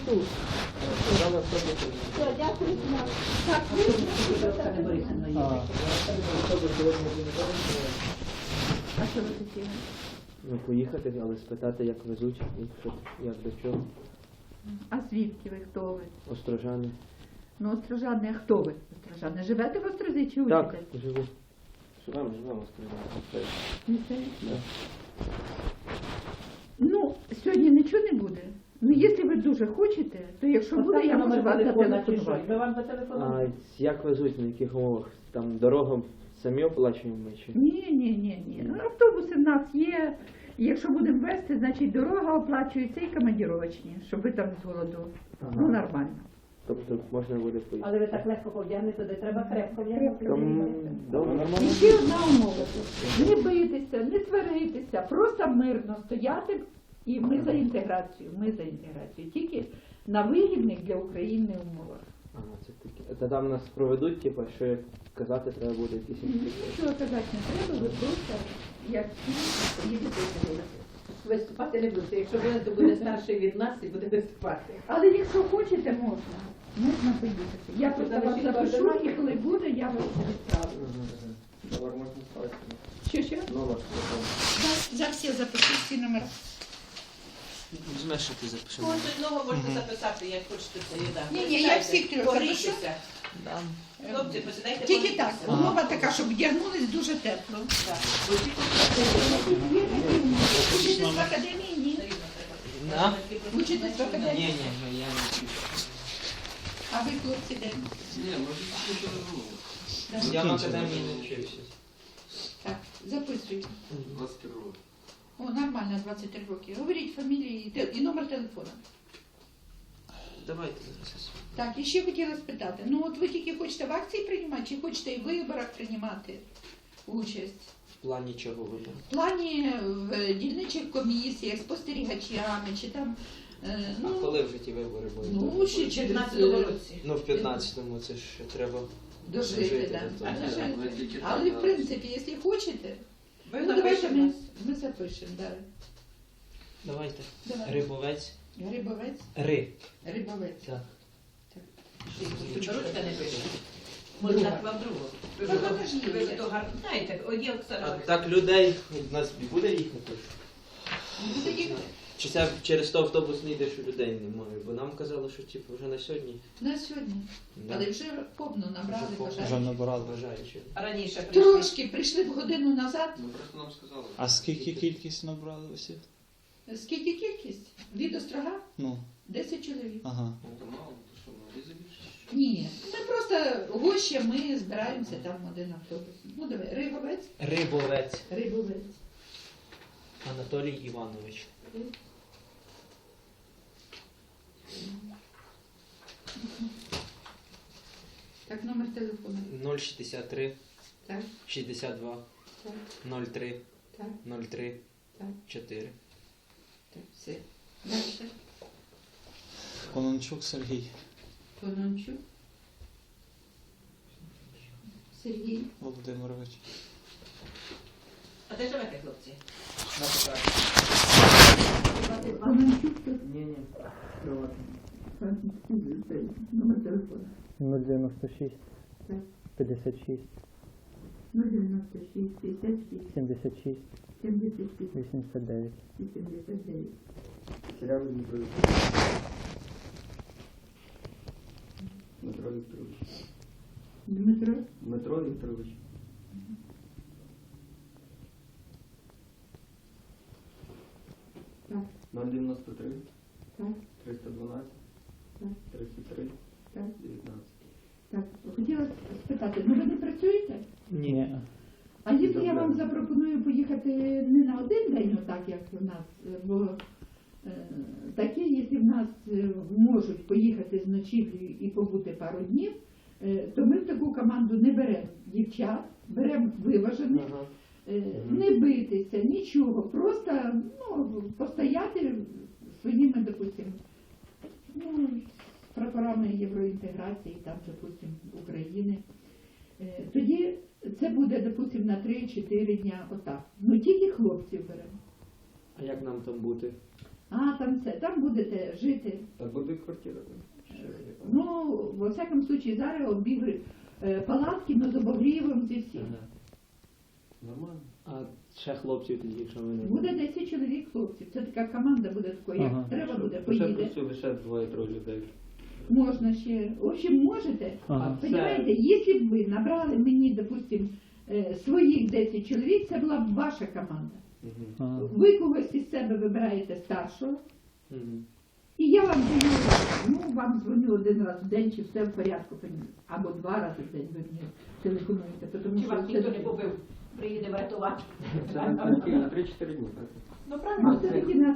тут. Все, дякую. Так, а що ви хотіли? Ну, поїхати, але спитати, як везуть, і що, як до чого. А звідки ви, хто ви? Острожани. Ну, Острожани, а хто ви? Острожани, живете в Острозі чи Так, учитесь? живу. Живемо, Острожани. Місцеві? Ну, сьогодні нічого не буде. Ну, якщо ви дуже хочете, то якщо буде, я можу вас зателефонувати. Ми вам зателефонуємо. А як везуть, на яких умовах? Там дорогу самі оплачуємо ми чи? Ні. Автобуси в нас є. І якщо будемо вести, значить дорога оплачується і командировочні, щоб ви там з голоду. Ага. Ну, нормально. Тобто можна буде поїхати. Але ви так легко повдягнете, де треба крепко вдягнути. Добре. І ще одна умова. Не битися, не сваритися, просто мирно стояти. І ми за інтеграцію, Тільки на вигідних для України умовах. Ага, це таке. Та там нас проведуть, типу, що як казати треба буде якісь інструкції. Нічого казати не треба, ви просто, як всі, їдете сюди. Виступати не будете. Якщо ви, то буде старший від нас і буде виступати. Але якщо хочете, можна. Можна поїхати. Я просто вас запишу, і коли буде, я вас відправлю. Номер можна ставити? Що? Номер. За всі запишу, всі номера. Візьмеш, що ти запишеш. Когось одного можете записати, як хочете це їда. Ні, я всіх трьох запишу. Погрійтеся. Хлопці, посідайте. Тільки так, погрійтеся. умова така, щоб вдягнулись дуже тепло. Так. Учитесь в академії? Ні. На? Учитесь в академії? Ні, я не вчусь. А ви, хлопці, де? Я в академії не вчився. Так, записуйте. 23 роки. О, нормально, 23 роки. Говоріть фамілії і номер телефону. Давайте зараз. Так, і ще хотіла спитати. Ну, от ви тільки хочете в акції приймати, чи хочете і в виборах приймати участь? В плані чого вибору? В плані в дільничих комісіях, спостерігачами, чи там, А коли в житті вибори будуть? ну, ще В через 15-му році. Ну, в 15-му, це ж треба дожити, дожити да. до того. Дожити. Але, в принципі, якщо хочете, Ви ну, давайте напишете. ми запишемо, да. Давайте. Давай. Рибовець. Грибовець, Рибовець. Так. Ручка не пише. Може дати вам другу. Ви ж Ну, то- покажіть. ви ж то гарно знаєте. От є А Оксана. так людей в нас буде їхати? буде їхати. Чи це через то автобус не йде, що людей немає? Бо нам казали, що типу, вже на сьогодні. На сьогодні. Да. Але вже повно набрали Вже повно. бажаючих. набирали. Бажаючи. Раніше прийшли. Трошки прийшли б годину назад. Ну просто нам сказали. А скільки кількість набрали усіх? Скільки кількість? Від Острога? Ну, 10 чоловік. ага. Це мало, то що, ну, різі більше? Ні, ми просто гощі, ми збираємося там в один автобус. Ну давай, Рибовець, Рибовець. Рибовець. Анатолій Іванович. Так, номер телефону. 063 Так, 62 так, 03 так, 03 так, 4. так, все. Дальше. Конончук Сергій Конончук. Сергій. Володимирович. А де живете, хлопці? Конончук тут. Ні. Номер телефону. 096 Так. 56 096 56 76 76 89. 89. Серіал Дмитрович. Дмитро Вікторович. Дмитро. Дмитро Вікторович. Так, 093 так, 312 так, 33 так. 19. Так, хотіла спитати, ну ви не працюєте? Ні. А якщо я вам запропоную поїхати не на один день, отак як у нас, бо такі, якщо в нас можуть поїхати з ночівлею і побути пару днів, то ми в таку команду не беремо дівчат, беремо виважених, Ага. не битися, нічого, просто ну, постояти своїми, допустимо, ну, прапорами євроінтеграції, там, допустимо, України. Тоді це буде, допустимо, на 3-4 дня отак. Ну тільки хлопців беремо. А як нам там бути? А, там все, там будете жити. Та буде квартира там. Ну, во всякому случаї, зараз обігрів палатки, ну, з обогрівом, зі всім. Ага. Нормально. А ще хлопців тоді, якщо вони... Буде 10 чоловік хлопців. Це така команда буде такою, як Ага. треба буде, Ще поїде. працює лише 2-3 людей. Можна ще. В общем, можете. Ага. Понимаете, якщо б ви набрали мені, допустим, своїх 10 чоловік, це була б ваша команда. Угу. Ага. Ви когось із себе вибираєте старшого, Угу. і я вам даю, ну, вам дзвоню один раз в день, чи все в порядку, або 2 рази в день ви мені телефонуєте. Тому Чи вас що ніхто це- не побив? Приїде врятувати. Це на 3-4 дні, так? Ну Ну, правильно. все-таки нас